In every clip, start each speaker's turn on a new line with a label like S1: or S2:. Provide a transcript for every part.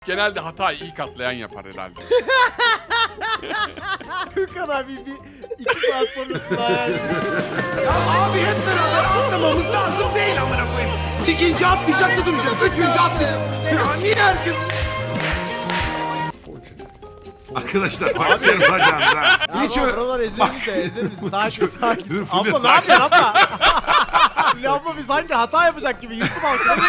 S1: Genelde hatayı ilk atlayan yapar herhalde.
S2: Gökhan abi bir 2 saat sonrasında hayal
S3: Ya abi hep beraber atlamamız lazım değil amına koyayım. İkinci atlayacak da duracak. Üçüncü atlayacak. Ya niye herkes... Arkadaşlar başlayalım bacağınıza. Hiç öyle...
S2: Oralar ezilmiş de ezilmiş. Sakin sakin.
S3: Dur Fulya
S2: Abla ne
S3: sakin.
S2: yapıyorsun abla? Fulya abla bir sanki hata yapacak gibi YouTube alsın.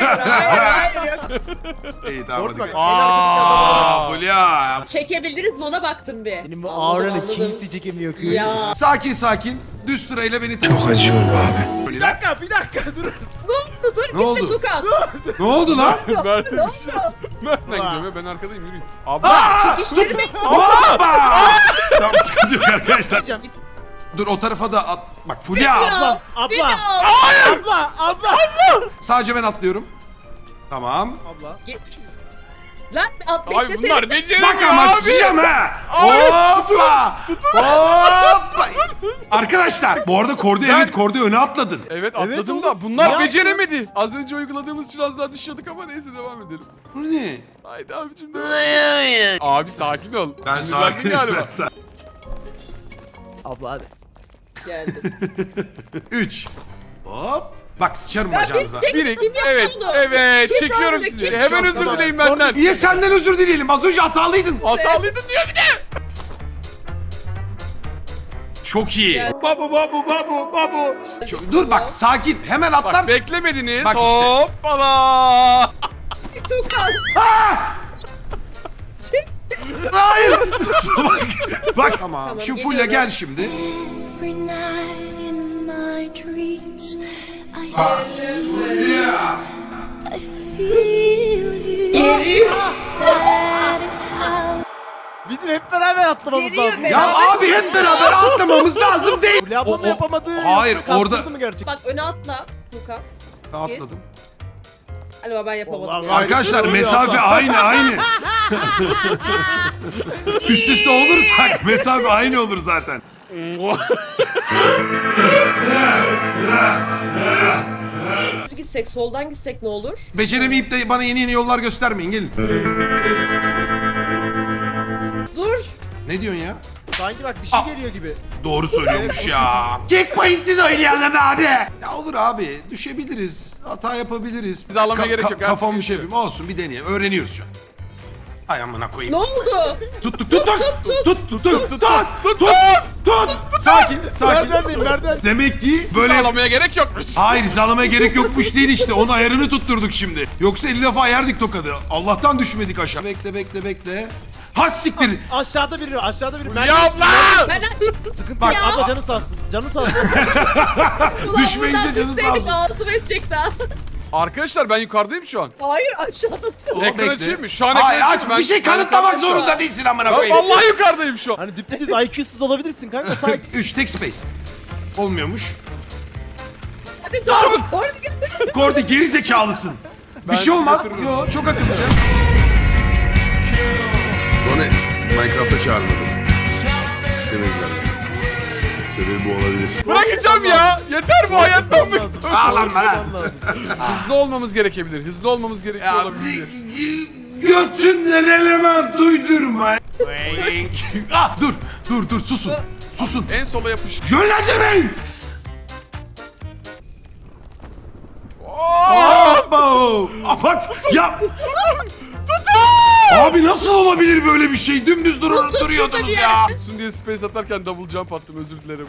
S3: İyi tamam hadi.
S2: Bak.
S3: gel. Aa Fulya.
S4: Çekebildiniz mi ona baktım bir.
S2: Benim bu
S4: Anladım,
S2: auranı
S4: anladım.
S2: kimse çekemiyor ki.
S4: Ya.
S3: Sakin sakin. Düz sırayla beni...
S5: Çok acıyor bu abi.
S2: Bir dakika dur.
S4: Ne oldu? Dur
S3: Ne
S4: gitme
S3: oldu?
S4: Tukan.
S3: Ne oldu lan?
S1: Mert'e bir şey. Nereden gidiyorum ya? Ben arkadayım, yürüyün. Abla!
S4: Çekiştirmeyin.
S3: Hoppa! Tamam sıkıntı yok arkadaşlar.
S2: Diyeceğim.
S3: Dur o tarafa da at. Bak Fulya.
S2: Abla. Abla.
S3: Sadece ben atlıyorum. Tamam.
S2: Abla.
S4: Lan at
S1: Abi
S4: beklesene.
S1: bunlar beceremiyor
S3: Bak ama
S1: abi.
S3: sıçacağım ha.
S1: Abi,
S3: Hoppa. Hoppa. Arkadaşlar bu arada Kordi evet Kordi öne atladın.
S1: Evet
S2: Evet
S1: atladım
S2: oğlum.
S1: da bunlar
S2: Ya.
S1: beceremedi. Az önce uyguladığımız için az daha düşüyorduk ama neyse devam edelim.
S3: Bu ne?
S1: Haydi abicim. Abi sakin ol.
S3: Ben
S1: Sinirlendin
S3: sakin.
S1: galiba.
S3: Ben sakin.
S2: Abla hadi.
S4: Geldim.
S3: 3. Hop. Bak sıçarım
S4: Ya
S3: bacağınıza.
S4: kim
S1: Birik.
S4: yaptı
S1: Evet.
S4: onu?
S1: Evet.
S4: Kim
S1: Çekiyorum
S4: yaptı?
S1: sizi.
S4: Kim
S1: Hemen
S3: yaptı?
S1: özür dileyin benden.
S3: Niye senden özür dileyelim? Az önce hatalıydın.
S1: Hatalıydın diyor bir de.
S3: Çok iyi.
S4: Gel.
S3: Babu. Dur bak sakin. Hemen
S1: Bak
S3: atlarsın.
S1: beklemediniz.
S3: Bak işte.
S1: Hoppala.
S4: Tukan.
S3: Hayır. bak tamam.
S4: Tamam,
S3: Şimdi Fulya
S4: geliyorum.
S3: gel şimdi.
S6: Every night in my dreams, I
S3: Fulya.
S6: feel you.
S4: Geliyor.
S6: That is how
S2: Bizim hep beraber atlamamız
S4: Geliyor
S2: lazım.
S4: be.
S3: Ya abi hep beraber atlamamız lazım değil.
S2: Fulya abla mı yapamadı?
S3: Hayır
S2: yoksa
S3: orada.
S2: kastırdı mı gerçekten?
S4: Bak öne atla Tukan.
S3: Atladım.
S4: Galiba ben yapamadım.
S2: Vallahi
S4: ya.
S3: Arkadaşlar
S2: Oluyor
S3: mesafe
S2: abla.
S3: aynı. Üst üste olursak mesafe aynı olur zaten.
S4: Düz gitsek soldan gitsek ne olur?
S3: Beceremeyip de bana yeni yollar göstermeyin gelin.
S4: Dur.
S3: Ne diyorsun ya?
S2: Sanki bak bir şey geliyor gibi.
S3: Doğru söylüyormuş ya. Checkpoint siz oynayalım abi. Ya olur abi düşebiliriz. Hata yapabiliriz.
S1: Bizi ağlamaya gerek yok,
S3: Kafam
S1: artık
S3: bir şey
S1: geçiyor.
S3: yapayım. Olsun bir deneyelim. Öğreniyoruz şu an. Ay amına koyayım.
S4: Ne oldu?
S3: Tut. Sakin.
S2: Merdiven.
S3: Demek ki böyle...
S1: Ağlamaya gerek yokmuş.
S3: Hayır hizalamaya gerek yokmuş değil işte. Onun ayarını tutturduk şimdi. Yoksa 50 defa yerdik tokadı. Allah'tan düşmedik aşağı. Bekle. Ha siktir.
S2: Aşağıda biri.
S1: Ya abla!
S4: Ben aç.
S2: Sıkıntı
S3: Bak,
S2: yok. Abla canı sağ olsun. Canı sağ olsun.
S3: Düşmeyince canı sağ olsun.
S4: Ağzıma edecek daha.
S1: Arkadaşlar ben yukarıdayım şu an.
S4: Hayır aşağıdasın.
S3: Oğlum,
S1: Ekran
S3: bekle.
S1: açayım mı? Şu an
S3: Hayır
S1: ekran
S3: aç.
S1: açayım.
S3: Bir şey
S1: Ben
S3: kanıtlamak
S1: yukarıdayım şu an.
S3: zorunda değilsin amına
S1: Ben
S3: koyayım.
S1: vallahi yukarıdayım şu an.
S2: Hani düpedüz IQ'suz olabilirsin kanka. Sakin.
S3: 3 tek space. Olmuyormuş.
S4: Hadi dur. Orada git.
S3: Kordi geri zekalısın. Bir
S1: Ben
S3: şey olmaz.
S1: götürürüm.
S3: Yo çok akıllıca.
S7: Tony, Minecraft'a çağırmadım. İstemediler. Sebebi bu olabilir.
S1: Bırakacağım ya. Yeter bu hayattan bıktım.
S3: Ağlanma lan.
S1: Hızlı olmamız gerekebilir. Hızlı olmamız gerekiyor
S3: Ya
S1: olabilir.
S3: götünden element duydurma. Ah dur susun. Susun.
S1: En sola yapış.
S3: Yönlendirmeyin.
S1: Oo!
S3: Abo. Bak ya. Abi nasıl olabilir böyle bir şey? Dümdüz duruyordunuz ya.
S1: Tutsun diye space atarken double jump attım, özür dilerim.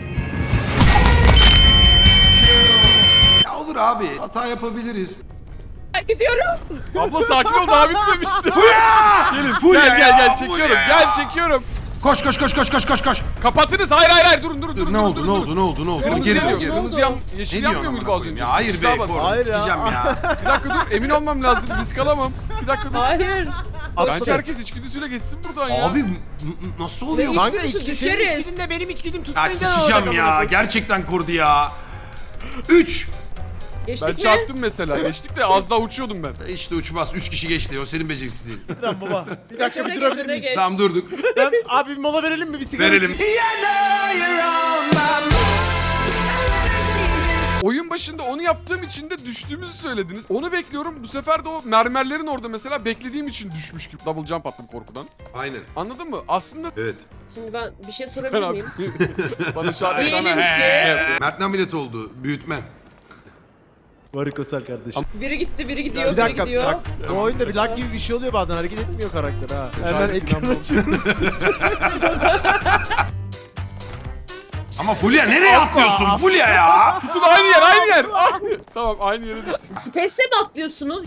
S3: Ya olur abi. Hata yapabiliriz.
S4: Ben gidiyorum.
S1: Abla sakin ol, daha bitmemişti.
S3: Fulya!
S1: Gelin,
S3: Fulya
S1: gel
S3: ya,
S1: çekiyorum.
S3: Fulya ya.
S1: Gel çekiyorum.
S3: Koş.
S1: Kapatınız. Hayır durun.
S3: Ne oldu?
S1: Kırmızı
S3: Geri
S1: yanıyor.
S3: geri.
S1: Kırmızı yeşil
S3: Ne
S1: yanmıyor
S3: diyorsun
S1: muydu
S3: amına
S1: az
S3: koyayım
S1: önce?
S3: ya? Hayır
S1: Hiç
S3: be
S1: daha bas.
S3: Kordi
S2: Hayır ya.
S3: sikeceğim ya.
S1: Bir dakika dur, emin olmam lazım. Risk alamam. Bir dakika dur.
S4: Hayır.
S1: Bence herkes içgüdüsüyle geçsin buradan ya.
S3: Abi nasıl oluyor?
S4: Ne?
S3: Lan?
S2: Kanka
S4: Düşeriz.
S2: senin içkidinle benim içkidim
S3: Ya
S2: tutmayınca
S3: sıçacağım ya. Gerçekten Kordi ya. 3.
S4: Geçtik
S1: Ben
S4: mi?
S1: çarptım mesela. Geçtik de az daha uçuyordum ben.
S3: İşte uçmaz. 3 kişi geçti. O senin beceriksizliğin.
S2: Tamam baba. Bir dakika bir
S4: Öne
S2: durabilir
S4: geç, öne
S2: miyiz?
S4: geç.
S3: Tamam durduk.
S2: Ben abi bir mola verelim mi? Bir sigara
S3: Verelim.
S2: içeyim.
S1: Oyun başında onu yaptığım için de düştüğümüzü söylediniz. Onu bekliyorum. Bu sefer de o mermerlerin orada mesela beklediğim için düşmüş gibi. Double jump attım korkudan.
S3: Aynen.
S1: Anladın mı? Aslında
S3: Evet.
S4: Şimdi ben bir şey
S1: ben
S4: sorabilir
S1: abi.
S4: miyim?
S1: Bana şu an
S4: Diyelim
S1: ekrana
S4: ki-
S3: Mert ne ameliyat oldu? Büyütme.
S2: Varikosel kardeşim.
S4: Biri gitti, biri gidiyor,
S2: Bir
S4: biri
S2: dakika
S4: gidiyor.
S2: bak. Bu oyunda bir lag gibi bir şey oluyor bazen hareket etmiyor karakter ha. Hemen
S1: Şarkı
S2: ekran
S1: falan
S2: açıyorum.
S3: Ama Fulya nereye atlıyorsun Fulya ya?
S1: Tutun aynı yer, aynı yer. Aynı. Tamam, aynı yere düştük.
S4: Space'te mi atlıyorsunuz?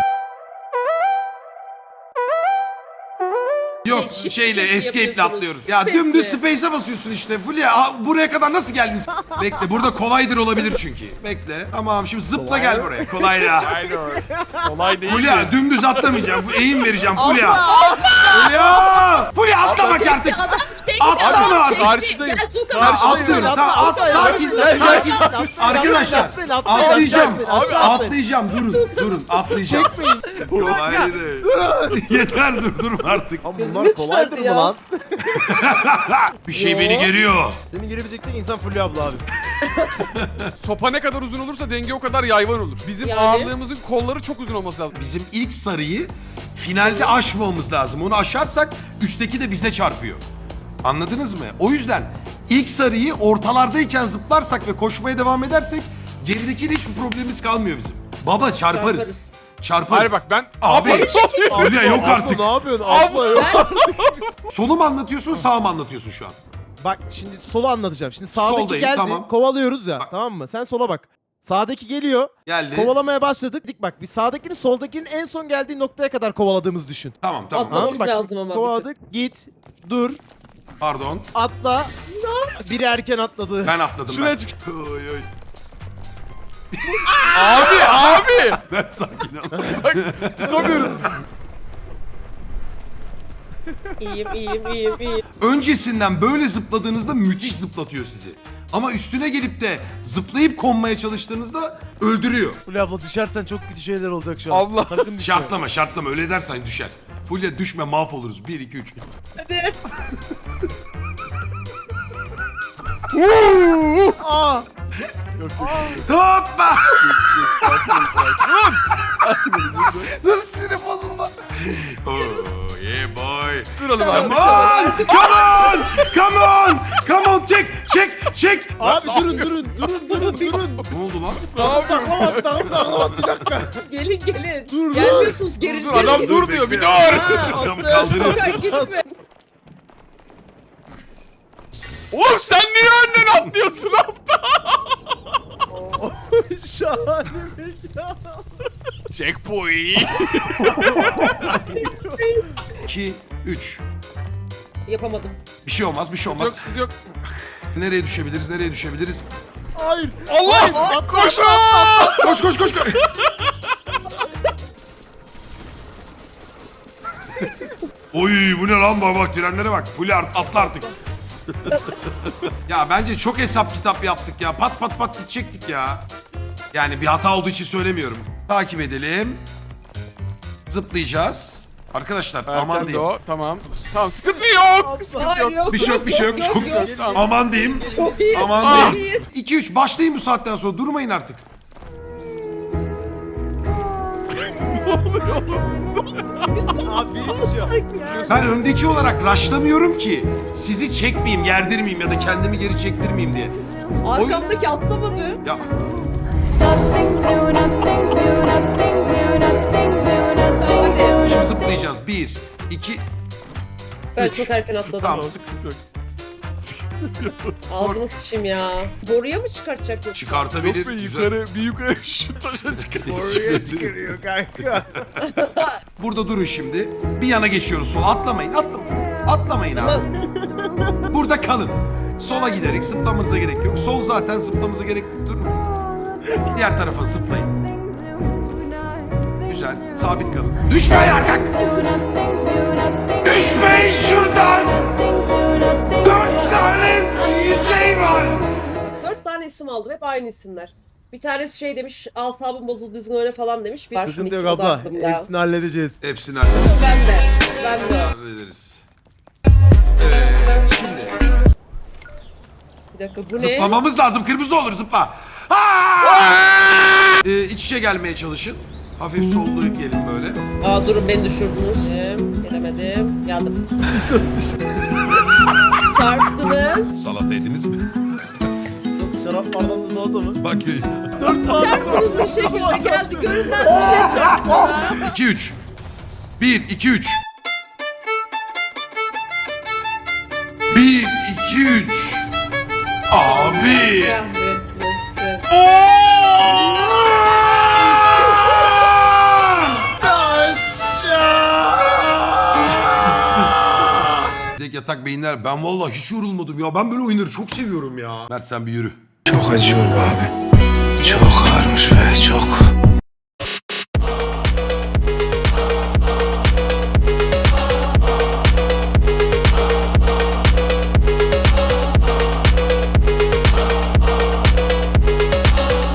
S3: Yok
S4: Shift
S3: şeyle
S4: space
S3: escape'le
S4: yapıyorsunuz.
S3: atlıyoruz. Ya
S4: Space'le.
S3: dümdüz space'e basıyorsun işte. Fulya buraya kadar nasıl geldin? Bekle burada kolaydır olabilir çünkü. Bekle. Tamam şimdi zıpla gel buraya. Kolay ya.
S1: Aynı. Kolay değil.
S3: Fulya dümdüz atlamayacağım. Bu eğim vereceğim Fulya. Fulya! Fulya atla bak artık.
S4: Adam çekti,
S3: Atla
S4: adam
S3: mı?
S4: çekti.
S1: Karşıdayım.
S4: Gel Tuğkan
S1: Karşıdayım.
S4: abi.
S3: Atlıyorum.
S2: Atla,
S3: Tamam at.
S2: atla,
S3: Sakin.
S2: atla,
S3: Sakin.
S2: atla, atla,
S3: Arkadaşlar.
S2: atlayın, atlayın,
S3: Atlayacağım.
S2: atlayın, atlayın.
S3: Atlayacağım. Durun. Atlayacağım. Kolay değil. Yeter dur artık.
S2: Ama bunlar kolaydır mı lan?
S3: Bir şey beni geriyor.
S2: Senin girebilecek tek insan Fulya abla abi.
S1: Sopa ne kadar uzun olursa denge o kadar yayvan olur. Bizim
S4: Yani?
S1: ağırlığımızın kolları çok uzun olması lazım.
S3: Bizim ilk sarıyı finalde aşmamamız lazım. Onu aşarsak üstteki de bize çarpıyor. Anladınız mı? O yüzden ilk sarıyı ortalardayken zıplarsak ve koşmaya devam edersek geridekiyle hiçbir problemimiz kalmıyor bizim. Baba çarparız. Çarparız.
S1: Hayır bak ben...
S3: Abi. Fulya yok
S2: Abla,
S3: artık.
S2: ne yapıyorsun? Abla yok.
S3: Solu mu anlatıyorsun sağ mı anlatıyorsun şu an?
S2: Bak şimdi solu anlatacağım. Şimdi sağdaki
S3: Soldayım,
S2: geldi.
S3: tamam.
S2: Kovalıyoruz ya.
S3: Bak.
S2: Tamam mı? Sen sola bak. Sağdaki geliyor.
S3: Geldi.
S2: Kovalamaya başladık. Dik bak. Biz sağdakinin soldakinin en son geldiği noktaya kadar kovaladığımız düşün.
S3: Tamam.
S4: Atla.
S2: Tamam mı? Bak
S4: lazım
S2: şimdi
S4: ama
S2: kovaladık. Git. Dur.
S3: Pardon.
S2: Atla. Biri erken atladı.
S3: Ben atladım
S1: Şuraya
S3: ben.
S1: çık.
S3: Oy, oy.
S1: Abi!
S3: Ben sakin ol.
S1: Tutamıyoruz.
S4: İyiyim.
S3: Öncesinden böyle zıpladığınızda müthiş zıplatıyor sizi. Ama üstüne gelip de zıplayıp konmaya çalıştığınızda öldürüyor.
S2: Fulya abla düşersen çok kötü şeyler olacak şu an.
S1: Allah.
S2: Sakın düşme.
S3: Şartlama öyle dersen düşer. Fulya düşme mahvoluruz. 1 2 3.
S4: Hadi.
S2: Aa!
S3: Hoppa! Dur sinir bozuldu. Oh yeah boy.
S1: Duralım abi.
S3: Come on çek.
S2: Abi durun.
S3: Ne oldu lan?
S2: Taklama bir dakika.
S4: Gelin.
S2: Dur.
S4: Gelmiyorsunuz geri.
S1: Dur, adam dur diyor bir dur.
S3: Adamı kaldırıyor.
S4: Tuğkan gitme.
S1: Oğlum sen niye önden atlıyorsun hafta?
S2: Şahane mekan.
S1: Checkpoint.
S3: 2 3.
S4: Yapamadım.
S3: Bir şey olmaz.
S1: Yok sıkıntı yok.
S3: Nereye düşebiliriz?
S2: Hayır.
S1: Allah! Koşun!
S3: Koş. Oy bu ne lan bak trenlere bak. Fulya atla artık. Ya bence çok hesap kitap yaptık ya. Pat gidecektik ya. Yani bir hata olduğu için söylemiyorum. Takip edelim. Zıplayacağız. Arkadaşlar aman
S1: Erken de
S3: diyeyim.
S1: o. Tamam. Tamam sıkıntı yok. Sıkıntı yok.
S3: Bir şey yok. Çok aman diyeyim.
S4: Çok iyi.
S3: Aman diyeyim. 2-3 başlayın bu saatten sonra. Durmayın artık.
S2: Abi biri düşüyor.
S3: Ben öndeki olarak raşlamıyorum ki. Sizi çekmeyeyim, gerdirmeyeyim ya da kendimi geri çektirmeyeyim diye.
S4: Arkamdaki atlamadı.
S3: Ya
S6: Nothing soon, nothing soon, nothing soon, nothing soon, nothing soon.
S3: şimdi zıplayacağız. 1, 2,
S4: Ben
S3: 3.
S4: çok erken atladım.
S3: Tamam
S1: Sıkıntı yok.
S4: Ağzına sıçayım ya. Boruya mı çıkartacak yoksa?
S3: Çıkartabilir.
S1: Yok be
S3: Güzel.
S1: yukarı şu taşa çıkar.
S2: Oraya çıkarıyor kanka.
S3: Burada durun şimdi. Bir yana geçiyoruz sola. Atlamayın. Atlamayın abi. Burada kalın. Sola giderek zıplamanıza gerek yok. Sol zaten zıplamanıza gerek yok. Durun. Diğer tarafa zıplayın. Güzel. Sabit kalın. Düşmeyin artık. Düşmeyin şuradan. 4 tane yüzey var.
S4: 4 tane isim aldım. Hep aynı isimler. Bir tanesi şey demiş, asabım bozuldu düzgün öyle falan demiş. Bir
S2: Sıkıntı yok
S4: o da
S2: abla.
S4: aklımda.
S2: Hepsini halledeceğiz.
S3: Hepsini hallederiz.
S4: Ben de.
S3: Hallederiz. Evet. Şimdi
S4: Bir dakika bu ne?
S3: zıplamamız lazım. Kırmızı olur zıpla. Aa! İç içe gelmeye çalışın. Hafif sollu gelin böyle.
S4: Aa durun beni düşürdünüz. Gelemedim. Geldim. Çarptınız.
S3: Salata yediniz mi?
S2: Nasıl şarap bardağında salata mı?
S3: Bak
S2: 4 bardak.
S4: Çarptınız bir şekilde geldi. Görünmez bir şey çarptı bana.
S3: 2-3. 1, 2, 3. 1, 2, 3. Abi.
S4: Kahretmesin.
S3: Tek yatak beyinler. Ben vallahi hiç yorulmadım ya. Ben böyle oyunları çok seviyorum ya. Mert sen bir yürü.
S5: Çok acıyor bu abi. Çok ağırmış ve çok